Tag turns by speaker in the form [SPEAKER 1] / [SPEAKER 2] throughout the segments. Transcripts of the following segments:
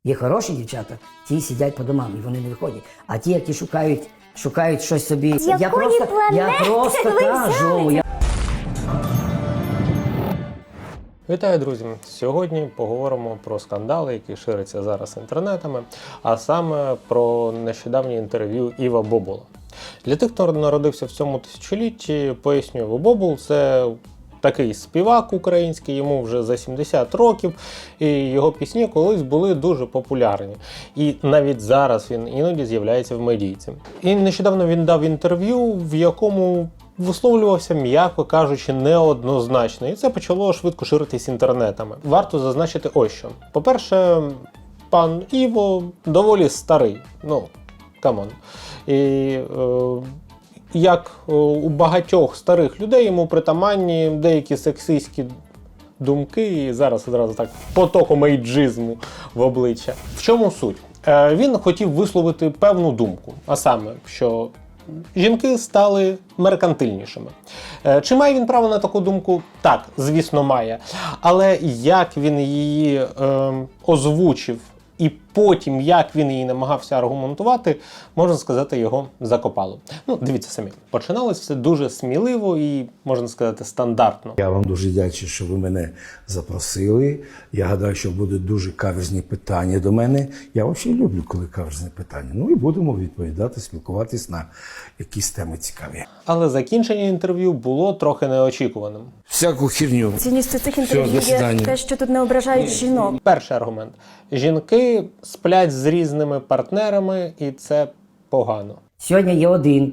[SPEAKER 1] Є хороші дівчата, ті сидять по домам і вони не виходять. А ті, які шукають щось собі.
[SPEAKER 2] З якої планети ви
[SPEAKER 1] кажу.
[SPEAKER 3] Вітаю, друзі! Сьогодні поговоримо про скандали, які ширяться зараз інтернетами, а саме про нещодавнє інтерв'ю Іва Бобула. Для тих, хто народився в цьому тисячолітті, поясню, Іва Бобул – це такий співак український, йому вже за 70 років, і його пісні колись були дуже популярні. І навіть зараз він іноді з'являється в медійці. І нещодавно він дав інтерв'ю, в якому висловлювався, м'яко кажучи, неоднозначно. І це почало швидко ширитись інтернетами. Варто зазначити ось що. По-перше, пан Іво доволі старий. Ну, камон. І як у багатьох старих людей йому притаманні деякі сексистські думки, і зараз одразу так потоком ейджизму в обличчя. В чому суть? Він хотів висловити певну думку, а саме, що жінки стали меркантильнішими. Чи має він право на таку думку? Так, звісно, має. Але як він її озвучив і потім, як він її намагався аргументувати, можна сказати, його закопало. Ну, дивіться самі. Починалось все дуже сміливо і, можна сказати, стандартно.
[SPEAKER 4] Я вам дуже вдячний, що ви мене запросили. Я гадаю, що будуть дуже каверзні питання до мене. Я взагалі люблю, коли каверзні питання. Ну і будемо відповідати, спілкуватись на якісь теми цікаві.
[SPEAKER 3] Але закінчення інтерв'ю було трохи неочікуваним.
[SPEAKER 4] Всяку херню.
[SPEAKER 2] Цінністю цих інтерв'ю є те, що тут не ображають жінок.
[SPEAKER 3] Перший аргумент. Жінки сплять з різними партнерами, і це погано.
[SPEAKER 1] Сьогодні є один,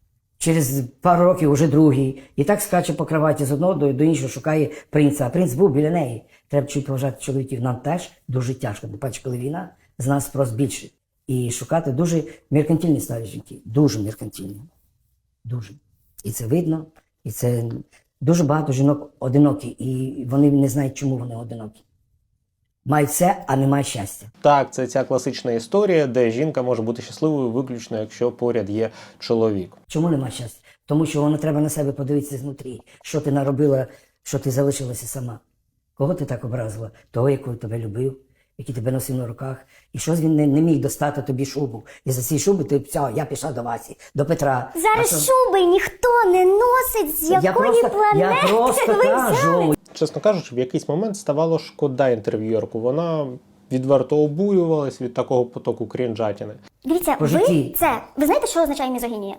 [SPEAKER 1] через пару років вже другий. І так скаче по кроваті з одного до іншого, шукає принца. А принц був біля неї. Треба чуть поважати чоловіків. Нам теж дуже тяжко. Бо бачиш, коли війна, з нас спрос більший. І шукати дуже меркантильні стали жінки. Дуже меркантильні. Дуже. І це видно. І це дуже багато жінок одинокі. І вони не знають, чому вони одинокі. Мають все, а немає щастя.
[SPEAKER 3] Так, це ця класична історія, де жінка може бути щасливою виключно, якщо поряд є чоловік.
[SPEAKER 1] Чому немає щастя? Тому що воно треба на себе подивитися знутрі. Що ти наробила, що ти залишилася сама. Кого ти так образила? Того, який тебе любив, який тебе носив на руках. І щось він не міг достати тобі шубу. І за ці шуби ти, все, я пішла до Васі, до Петра.
[SPEAKER 2] Зараз шуби ніхто не носить, з якої планети
[SPEAKER 1] я просто
[SPEAKER 2] ви
[SPEAKER 1] кажу.
[SPEAKER 2] взяли?
[SPEAKER 3] Чесно кажучи, в якийсь момент ставало шкода інтерв'юерку. Вона відверто обурювалась від такого потоку крінжатіни.
[SPEAKER 2] Дивіться,
[SPEAKER 1] По житті.
[SPEAKER 2] ви знаєте, що означає мізогінія?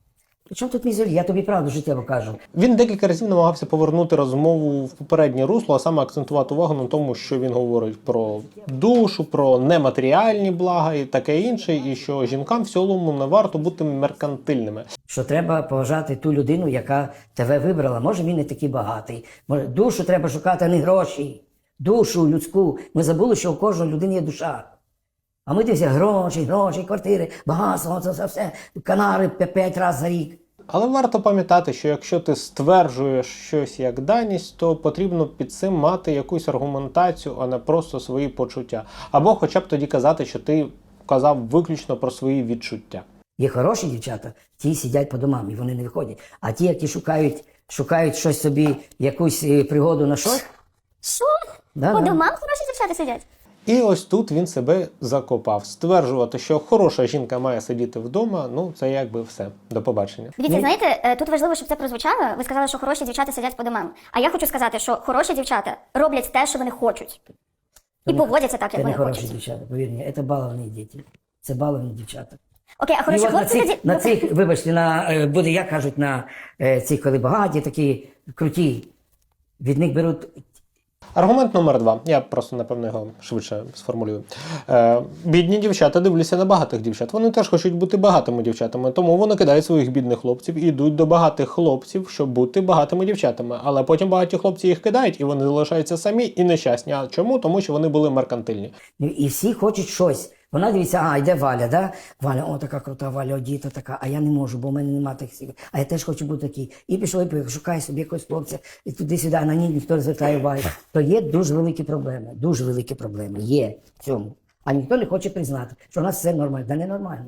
[SPEAKER 1] Чому тут мізолі? Я тобі правду життєво кажу.
[SPEAKER 3] Він декілька разів намагався повернути розмову в попереднє русло, а саме акцентувати увагу на тому, що він говорить про душу, про нематеріальні блага і таке інше, і що жінкам в цілому не варто бути меркантильними.
[SPEAKER 1] Що треба поважати ту людину, яка тебе вибрала. Може, він не такий багатий. Може, душу треба шукати, а не гроші. Душу людську. Ми забули, що у кожної людини є душа. А ми дивимося гроші, квартири, багатство, це все, Канари 5 разів за рік.
[SPEAKER 3] Але варто пам'ятати, що якщо ти стверджуєш щось як даність, то потрібно під цим мати якусь аргументацію, а не просто свої почуття. Або хоча б тоді казати, що ти казав виключно про свої відчуття.
[SPEAKER 1] Є хороші дівчата, ті сидять по домам і вони не виходять. А ті, які шукають щось собі, якусь пригоду на щось.
[SPEAKER 2] Що?
[SPEAKER 1] Да,
[SPEAKER 2] По
[SPEAKER 1] да.
[SPEAKER 2] домам хороші дівчата сидять?
[SPEAKER 3] І ось тут він себе закопав. Стверджувати, що хороша жінка має сидіти вдома, ну це якби все. До побачення.
[SPEAKER 2] Дивіться, знаєте, тут важливо, щоб це прозвучало. Ви сказали, що хороші дівчата сидять по домам. А я хочу сказати, що хороші дівчата роблять те, що вони хочуть. І поводяться так,
[SPEAKER 1] Це
[SPEAKER 2] як
[SPEAKER 1] не
[SPEAKER 2] вони
[SPEAKER 1] хороші
[SPEAKER 2] хочуть.
[SPEAKER 1] дівчата, повір мені, це баловані діти. Це баловані дівчата.
[SPEAKER 2] Окей, а хороші
[SPEAKER 1] І от
[SPEAKER 2] хлопці тоді...
[SPEAKER 1] на цих, вибачте, буде, як кажуть, на цих, коли багаті, такі круті, від них беруть.
[SPEAKER 3] Аргумент номер 2. Я просто, напевно, його швидше сформулюю. Бідні дівчата дивляться на багатих дівчат. Вони теж хочуть бути багатими дівчатами, тому вони кидають своїх бідних хлопців і йдуть до багатих хлопців, щоб бути багатими дівчатами. Але потім багаті хлопці їх кидають, і вони залишаються самі і нещасні. А чому? Тому що вони були меркантильні.
[SPEAKER 1] І всі хочуть щось. Вона дивиться, йде Валя, да? Валя, о, така крута, Валя, одіта така, а я не можу, бо в мене немає таких сил. А я теж хочу бути такий. І пішов, і поїхав, шукає собі якогось хлопця, і туди-сюди, а на ній ніхто не звертає уваги. То є дуже великі проблеми, є в цьому. А ніхто не хоче признати, що у нас все нормально, да не нормально.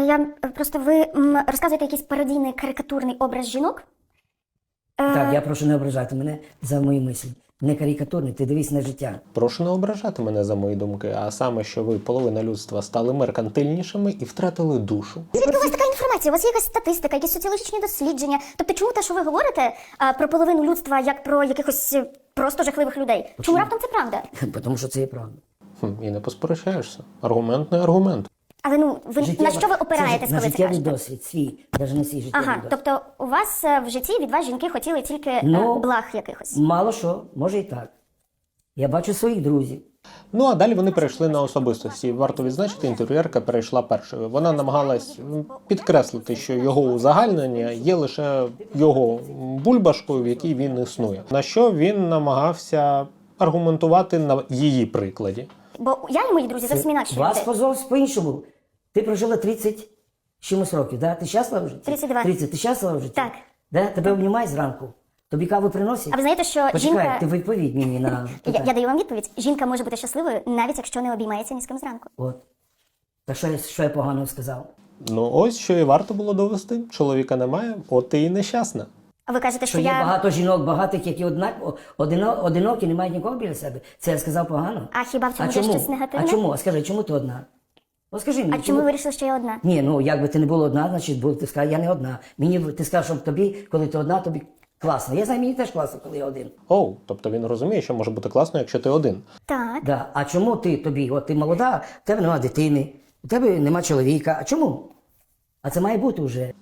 [SPEAKER 2] Ви розказуєте якийсь пародійний, карикатурний образ жінок?
[SPEAKER 1] Так, я прошу не ображати мене за мої мислі. Не карикатурний, ти дивись на життя.
[SPEAKER 3] Прошу не ображати мене за мої думки, а саме, що ви, половина людства, стали меркантильнішими і втратили душу.
[SPEAKER 2] Звідки у вас така інформація? У вас є якась статистика, якісь соціологічні дослідження? Тобто чому те, що ви говорите про половину людства, як про якихось просто жахливих людей? Чому раптом це правда?
[SPEAKER 1] Тому що це є правда.
[SPEAKER 3] І не посперечаєшся. Аргумент не аргумент.
[SPEAKER 2] Але ви на що ви опираєтесь,
[SPEAKER 1] на
[SPEAKER 2] коли це
[SPEAKER 1] життєвий
[SPEAKER 2] кажете?
[SPEAKER 1] досвід, свій, навіть не свій життєвий
[SPEAKER 2] Ага,
[SPEAKER 1] досвід.
[SPEAKER 2] тобто у вас в житті від вас жінки хотіли тільки благ якихось.
[SPEAKER 1] Мало що, може і так. Я бачу своїх друзів.
[SPEAKER 3] Ну а далі вони перейшли на особистості. Варто відзначити, інтерв'юерка перейшла першою. Вона намагалась підкреслити, що його узагальнення є лише його бульбашкою, в якій він існує. На що він намагався аргументувати на її прикладі.
[SPEAKER 2] Бо я і мої друзі зовсім інакші
[SPEAKER 1] Вас
[SPEAKER 2] люди.
[SPEAKER 1] позов по-іншому. Ти прожила 30 чимось років, да? Ти щаслива в житті?
[SPEAKER 2] 32.
[SPEAKER 1] 30. Ти щаслива в житті?
[SPEAKER 2] Так.
[SPEAKER 1] Да? Тебе обнімають зранку? Тобі каву приносять?
[SPEAKER 2] А ви знаєте, що
[SPEAKER 1] Почекай,
[SPEAKER 2] жінка...
[SPEAKER 1] ти відповідь мені на питання.
[SPEAKER 2] Я даю вам відповідь. Жінка може бути щасливою, навіть якщо не обіймається ні з ким зранку.
[SPEAKER 1] От. Та що я поганого сказав?
[SPEAKER 3] Ну ось що і варто було довести. Чоловіка немає, от ти і нещасна.
[SPEAKER 2] А ви кажете,
[SPEAKER 1] Що
[SPEAKER 2] що
[SPEAKER 1] є
[SPEAKER 2] я...
[SPEAKER 1] багато жінок, багатих, які одинокі, не мають нікого біля себе. Це я сказав погано?
[SPEAKER 2] А хіба в цьому є щось негативне?
[SPEAKER 1] А чому? Скажи, чому ти одна? От скажи мені.
[SPEAKER 2] А чому ви вирішили, що я одна?
[SPEAKER 1] Ні, ну якби ти не була одна, значить ти сказав, я не одна. Ти сказав, що тобі, коли ти одна, тобі класно. Я знаю, мені теж класно, коли я один.
[SPEAKER 3] Оу, тобто він розуміє, що може бути класно, якщо ти один.
[SPEAKER 2] Так.
[SPEAKER 1] Да. А чому от ти молода, в тебе нема дитини, у тебе нема чоловіка. А чому? А це має бути вже.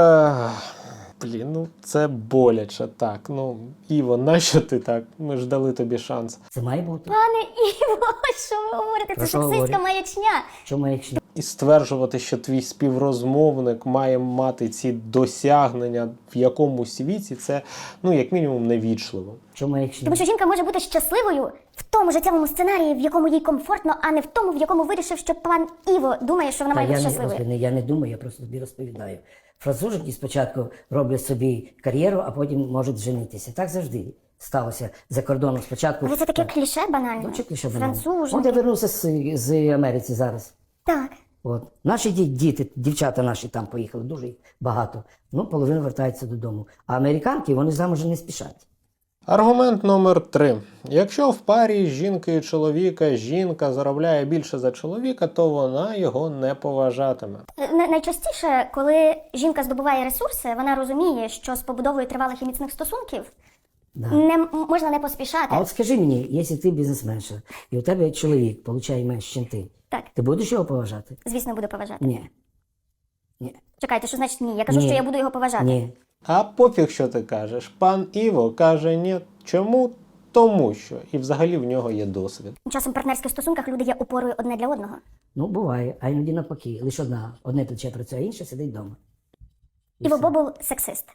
[SPEAKER 3] Блін, ну це боляче так. Ну, Іво, нащо ти так? Ми ж дали тобі шанс.
[SPEAKER 1] Це має бути.
[SPEAKER 2] Пане Іво, що ви говорите?
[SPEAKER 1] Про
[SPEAKER 2] Це
[SPEAKER 1] що
[SPEAKER 2] сексистська
[SPEAKER 1] говорю?
[SPEAKER 2] маячня.
[SPEAKER 1] Чому якщо?
[SPEAKER 3] І стверджувати, що твій співрозмовник має мати ці досягнення в якомусь віці, це, ну, як мінімум, невічливо.
[SPEAKER 1] Чому якщо?
[SPEAKER 2] Тому що жінка може бути щасливою в тому життєвому сценарії, в якому їй комфортно, а не в тому, в якому вирішив, що пан Іво думає, що вона має бути щасливою.
[SPEAKER 1] Я не думаю, я просто тобі розповідаю. Француженки спочатку роблять собі кар'єру, а потім можуть женитися. Так завжди сталося за кордоном спочатку.
[SPEAKER 2] Але це таке кліше банальне.
[SPEAKER 1] Ну, чи кліше банально?
[SPEAKER 2] Француженки.
[SPEAKER 1] От я вернувся з Америці зараз.
[SPEAKER 2] Так.
[SPEAKER 1] От. Наші діти, дівчата наші там поїхали, дуже їх багато. Ну, половина вертається додому. А американки, вони замуж не спішать.
[SPEAKER 3] Аргумент номер 3. Якщо в парі жінки і чоловіка жінка заробляє більше за чоловіка, то вона його не поважатиме.
[SPEAKER 2] Найчастіше, коли жінка здобуває ресурси, вона розуміє, що з побудовою тривалих і міцних стосунків можна не поспішати.
[SPEAKER 1] А от скажи мені, якщо ти бізнесменша, і у тебе чоловік получає менше, ніж ти,
[SPEAKER 2] Так.
[SPEAKER 1] ти будеш його поважати?
[SPEAKER 2] Звісно, буду поважати.
[SPEAKER 1] Ні. Ні.
[SPEAKER 2] Чекайте, що значить ні? Я кажу,
[SPEAKER 1] Ні.
[SPEAKER 2] що я буду його поважати.
[SPEAKER 1] Ні.
[SPEAKER 3] А пофіг, що ти кажеш. Пан Іво каже ні. Чому? Тому що. І взагалі в нього є досвід.
[SPEAKER 2] Часом в партнерських стосунках люди є опорою одне для одного.
[SPEAKER 1] Ну, буває, а іноді навпаки. Лише одне плече працює, а інше сидить вдома.
[SPEAKER 2] Іво Бобул сексист.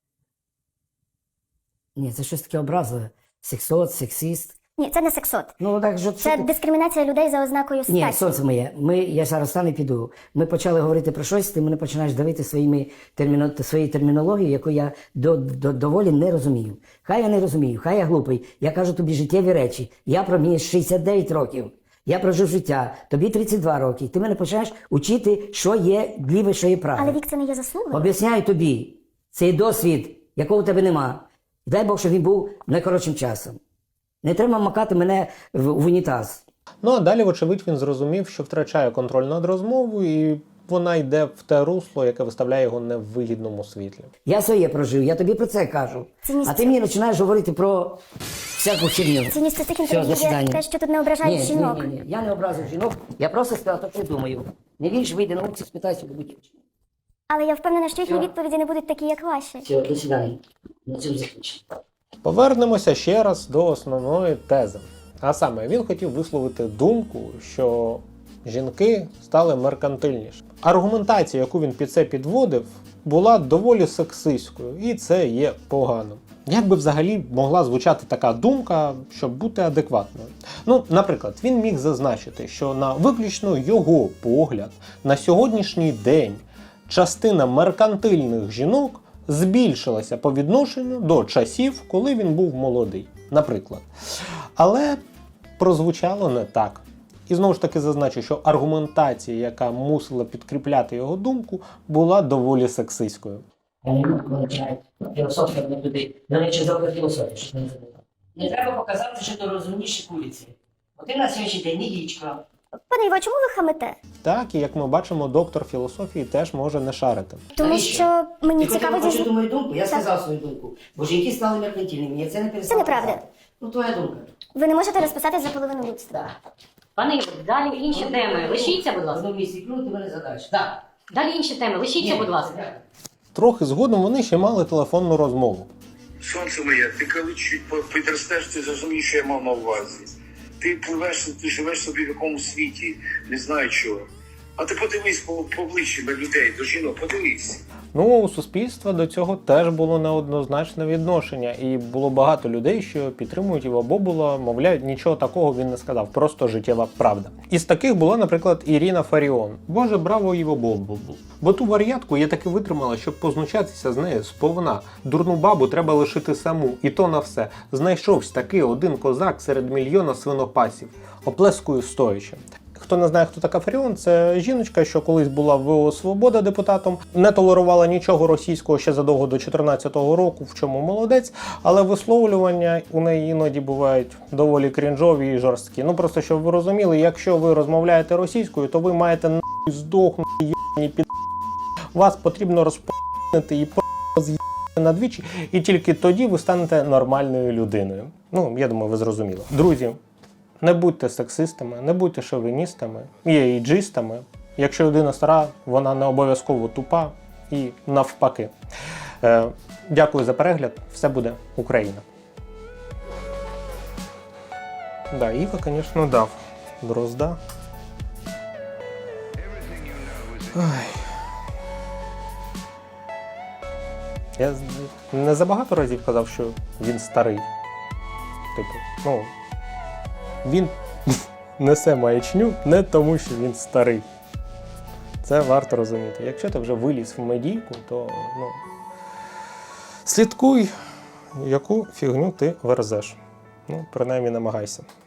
[SPEAKER 1] Ні, це щось таке образливе. Сексот, сексист.
[SPEAKER 2] Ні, це не сексот.
[SPEAKER 1] Ну, так, що
[SPEAKER 2] Це
[SPEAKER 1] ти-
[SPEAKER 2] дискримінація людей за ознакою
[SPEAKER 1] Ні,
[SPEAKER 2] статі.
[SPEAKER 1] сонце моє, я зараз стану і піду. Ми почали говорити про щось, ти мене починаєш давити своєю термінологією, яку я доволі не розумію. Хай я не розумію, хай я глупий. Я кажу тобі життєві речі. Я мені 69 років. Я прожив життя, тобі 32 роки. Ти мене починаєш учити, що є ліве, що є праве.
[SPEAKER 2] Але вік це не є заслугою.
[SPEAKER 1] Об'ясняю тобі, цей досвід, якого в тебе нема. Дай Бог, щоб він був найкоротшим часом. Не треба макати мене в унітаз.
[SPEAKER 3] Ну а далі, вочевидь, він зрозумів, що втрачає контроль над розмовою, і вона йде в те русло, яке виставляє його не в вигідному світлі.
[SPEAKER 1] Я своє прожив, я тобі про це кажу.
[SPEAKER 2] Цінність
[SPEAKER 1] А ти мені починаєш говорити про всяку херню.
[SPEAKER 2] Цінність цих
[SPEAKER 1] Все,
[SPEAKER 2] інтерв'ю
[SPEAKER 1] до
[SPEAKER 2] є
[SPEAKER 1] свидання.
[SPEAKER 2] те, що тут не ображають жінок.
[SPEAKER 1] Ні. Я не образив жінок, я просто сказав, то, що думаю. Не віриш, вийди на вулицю, спитайся, будь.
[SPEAKER 2] Але я впевнена, що їхні відповіді не будуть такі, як ваші.
[SPEAKER 1] Все, до свидання. На цьому закінчимо.
[SPEAKER 3] Повернемося ще раз до основної тези. А саме, він хотів висловити думку, що жінки стали меркантильніші. Аргументація, яку він під це підводив, була доволі сексистською, і це є погано. Як би взагалі могла звучати така думка, щоб бути адекватною? Ну, наприклад, він міг зазначити, що на виключно його погляд, на сьогоднішній день частина меркантильних жінок збільшилася по відношенню до часів, коли він був молодий, наприклад. Але прозвучало не так. І знову ж таки зазначу, що аргументація, яка мусила підкріпляти його думку, була доволі сексистською.
[SPEAKER 1] Я не можу, коли починають філософія, вони туди. До речі, добра філософія, що ти не забував. Не треба показати, що ти розумніше куриці. Бо ти на сьогоднішній день не дічка.
[SPEAKER 2] Пане Іво, а чому ви хамите?
[SPEAKER 3] Так, і як ми бачимо, доктор філософії теж може не шарити.
[SPEAKER 2] Тому
[SPEAKER 1] Навіщо?
[SPEAKER 2] що мені
[SPEAKER 1] Ти
[SPEAKER 2] цікаво
[SPEAKER 1] хотіла
[SPEAKER 2] дізна-
[SPEAKER 1] почути мою думку? Я
[SPEAKER 2] Так.
[SPEAKER 1] сказав свою думку. Бо жінки стали меркантильними, я це не перестала.
[SPEAKER 2] неправда.
[SPEAKER 1] казати. Ну, твоя думка.
[SPEAKER 2] Ви не можете розписати за половину людства.
[SPEAKER 1] Так.
[SPEAKER 5] Пане Іво, далі інші теми. Лишіться, будь
[SPEAKER 1] В
[SPEAKER 5] ласка.
[SPEAKER 1] одному місці клюну, ти мене задаєш. Так.
[SPEAKER 5] Далі інші теми. Лишіться, будь ласка.
[SPEAKER 3] Трохи згодом вони ще мали телефонну розмову.
[SPEAKER 6] Сонце моє, ти коли чуть підростеш, ти зрозумієш, що я мав на увазі. Ти пливеш, ти живеш собі в якомусь світі, не знаю чого. А ти подивись поближче до людей, до жінок, подивись.
[SPEAKER 3] Ну, у суспільства до цього теж було неоднозначне відношення, і було багато людей, що підтримують Іва Бобула, мовляють, нічого такого він не сказав, просто життєва правда. Із таких була, наприклад, Ірина Фаріон. Боже, браво Іво Бобул. Бо ту варіатку я таки витримала, щоб познущатися з нею сповна. Дурну бабу треба лишити саму, і то на все. Знайшовся таки один козак серед мільйона свинопасів. Оплескую стоячи. Хто не знає, хто така Фаріон, це жіночка, що колись була в ВО «Свобода» депутатом, не толерувала нічого російського ще задовго до 2014 року, в чому молодець, але висловлювання у неї іноді бувають доволі крінжові і жорсткі. Ну просто, щоб ви розуміли, якщо ви розмовляєте російською, то ви маєте нахуй здохнути, єбані під... Вас потрібно розп'яти і роз'їбати надвічі, і тільки тоді ви станете нормальною людиною. Ну, я думаю, ви зрозуміли. Друзі, не будьте сексистами, не будьте шовіністами і ейджистами. Якщо людина стара, вона не обов'язково тупа і навпаки. Дякую за перегляд. Все буде Україна. Да, Іва, звісно, дав Дрозда. Ой. Я не забагато разів казав, що він старий. Типу, ну... Він несе маячню не тому, що він старий. Це варто розуміти. Якщо ти вже виліз в медійку, то слідкуй, яку фігню ти верзеш. Ну, принаймні намагайся.